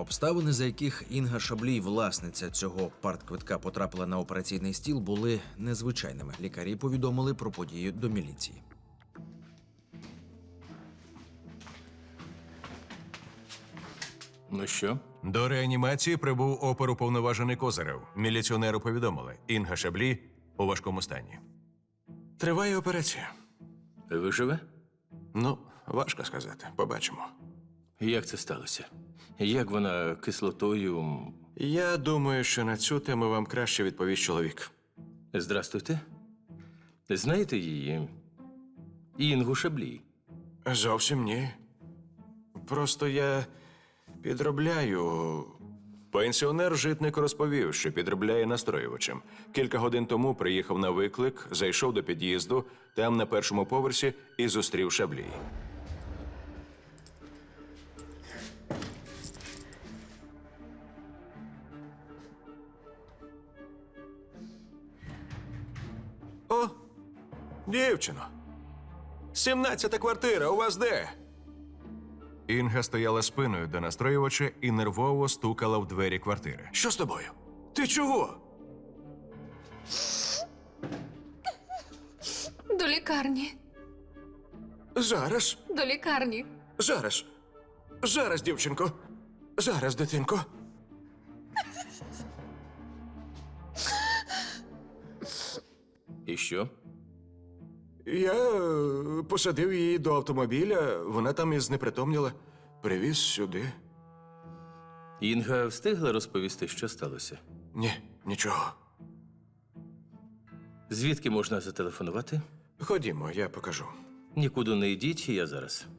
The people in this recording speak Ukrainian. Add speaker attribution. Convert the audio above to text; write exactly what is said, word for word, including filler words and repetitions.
Speaker 1: Обставини, за яких Інга Шаблій, власниця цього партквитка, потрапила на операційний стіл, були незвичайними. Лікарі повідомили про подію до міліції.
Speaker 2: Ну що?
Speaker 3: До реанімації прибув оперуповноважений Козирев. Міліціонеру повідомили. Інга Шаблі у важкому стані. Триває операція.
Speaker 2: Виживе?
Speaker 3: Ну, важко сказати. Побачимо.
Speaker 2: Як це сталося? Як вона кислотою...
Speaker 3: Я думаю, що на цю тему вам краще відповість чоловік.
Speaker 2: Здрастуйте. Знаєте її? Інгу Шаблій.
Speaker 3: Зовсім ні. Просто я підробляю. Пенсіонер Житник розповів, що підробляє настроювачем. Кілька годин тому приїхав на виклик, зайшов до під'їзду, там на першому поверсі і зустрів Шаблій. О, дівчино. Сімнадцята квартира, у вас де? Інга стояла спиною до настроювача і нервово стукала в двері квартири. Що з тобою? Ти чого?
Speaker 4: До лікарні.
Speaker 3: Зараз,
Speaker 4: До лікарні.
Speaker 3: зараз. Зараз, дівчинко. Зараз, дитинко.
Speaker 2: І що?
Speaker 3: Я е, посадив її до автомобіля, вона там і знепритомніла. Привіз сюди.
Speaker 2: Інга встигла розповісти, що сталося?
Speaker 3: Ні, нічого.
Speaker 2: Звідки можна зателефонувати?
Speaker 3: Ходімо, я покажу.
Speaker 2: Нікуди не йдіть, я зараз.